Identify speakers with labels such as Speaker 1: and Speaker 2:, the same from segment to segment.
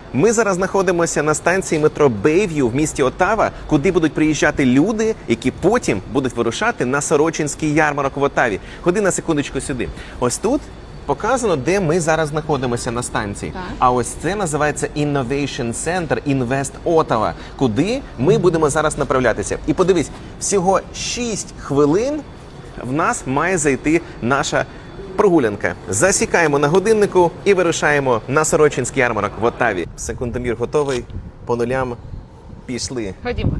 Speaker 1: Ми зараз знаходимося на станції метро Бейв'ю в місті Оттава, куди будуть приїжджати люди, які потім будуть вирушати на Сорочинський ярмарок в Оттаві. Ходи на секундочку сюди. Ось тут показано, де ми зараз знаходимося на станції.
Speaker 2: Так.
Speaker 1: А ось це називається Innovation Center Invest Ottawa, куди ми будемо зараз направлятися. І подивись, всього 6 хвилин в нас має зайти наша прогулянка. Засікаємо на годиннику і вирушаємо на Сорочинський ярмарок в Оттаві. Секундомір готовий, по нулям пішли.
Speaker 2: Ходімо.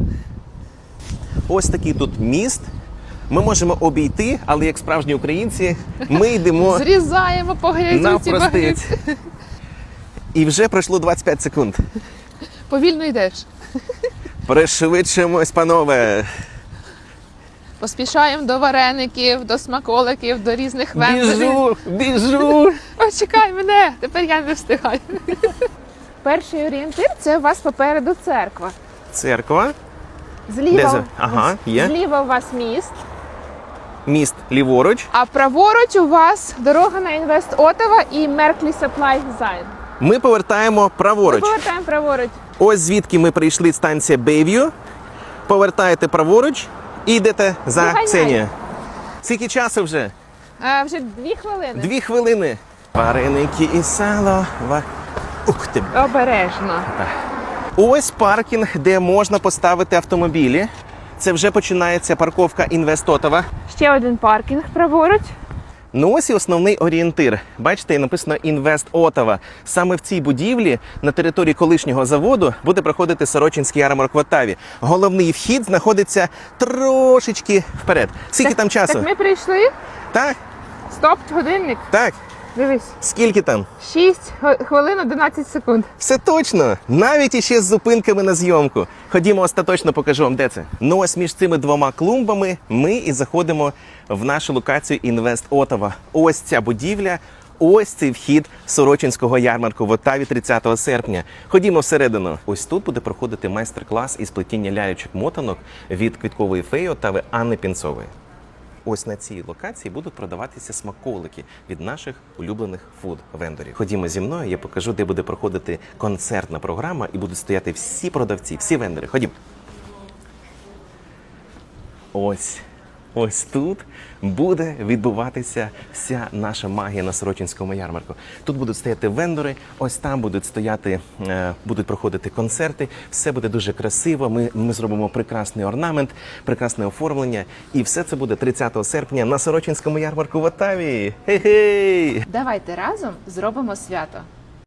Speaker 1: Ось такий тут міст. Ми можемо обійти, але як справжні українці, ми йдемо
Speaker 2: Зрізаємо по грязюці.
Speaker 1: навпростець. І вже пройшло 25 секунд.
Speaker 2: Повільно йдеш.
Speaker 1: Пришвидшимось, панове.
Speaker 2: Поспішаємо до вареників, до смаколиків, до різних вендорів.
Speaker 1: Біжу.
Speaker 2: О, чекай мене, тепер я не встигаю. Перший орієнтир – це у вас попереду церква.
Speaker 1: Церква.
Speaker 2: Зліва,
Speaker 1: Ага, є.
Speaker 2: зліва у вас міст,
Speaker 1: Міст ліворуч.
Speaker 2: а праворуч у вас дорога на Інвест Оттава і Мерклі Supply Design.
Speaker 1: Ми повертаємо праворуч.
Speaker 2: Повертаємо праворуч.
Speaker 1: Ось звідки ми прийшли, станція Бейв'ю. Повертаєте праворуч і йдете за
Speaker 2: Доганяй.
Speaker 1: Ксенією. Скільки часу вже?
Speaker 2: Вже 2 хвилини.
Speaker 1: 2 хвилини. Вареники і сало. Ух ти.
Speaker 2: Обережно.
Speaker 1: Ось паркінг, де можна поставити автомобілі. Це вже починається парковка Інвест Оттава.
Speaker 2: Ще один паркінг праворуч.
Speaker 1: Ну ось і основний орієнтир. Бачите, написано Інвест Оттава. Саме в цій будівлі на території колишнього заводу буде проходити Сорочинський ярмарок в Оттаві. Головний вхід знаходиться трошечки вперед. Скільки там часу?
Speaker 2: Так ми прийшли.
Speaker 1: Так,
Speaker 2: Стоп, годинник.
Speaker 1: так.
Speaker 2: Дивись.
Speaker 1: Скільки там?
Speaker 2: 6 хвилин 11 секунд.
Speaker 1: Все точно. Навіть іще з зупинками на зйомку. Ходімо, остаточно покажу вам, де це. Ну ось між цими двома клумбами ми і заходимо в нашу локацію Інвест Оттава. Ось ця будівля, ось цей вхід Сорочинського ярмарку в Оттаві 30 серпня. Ходімо всередину. Ось тут буде проходити майстер-клас із плетіння лялечок-мотанок від квіткової феї Оттави Анни Пінцової. Ось на цій локації будуть продаватися смаколики від наших улюблених фуд-вендорів. Ходімо зі мною, я покажу, де буде проходити концертна програма і будуть стояти всі продавці, всі вендори. Ходімо. Ось тут буде відбуватися вся наша магія на Сорочинському ярмарку. Тут будуть стояти вендори, ось там будуть проходити концерти. Все буде дуже красиво. Ми зробимо прекрасний орнамент, прекрасне оформлення. І все це буде 30 серпня на Сорочинському ярмарку в Оттаві. Хей-хей!
Speaker 2: Давайте разом зробимо свято.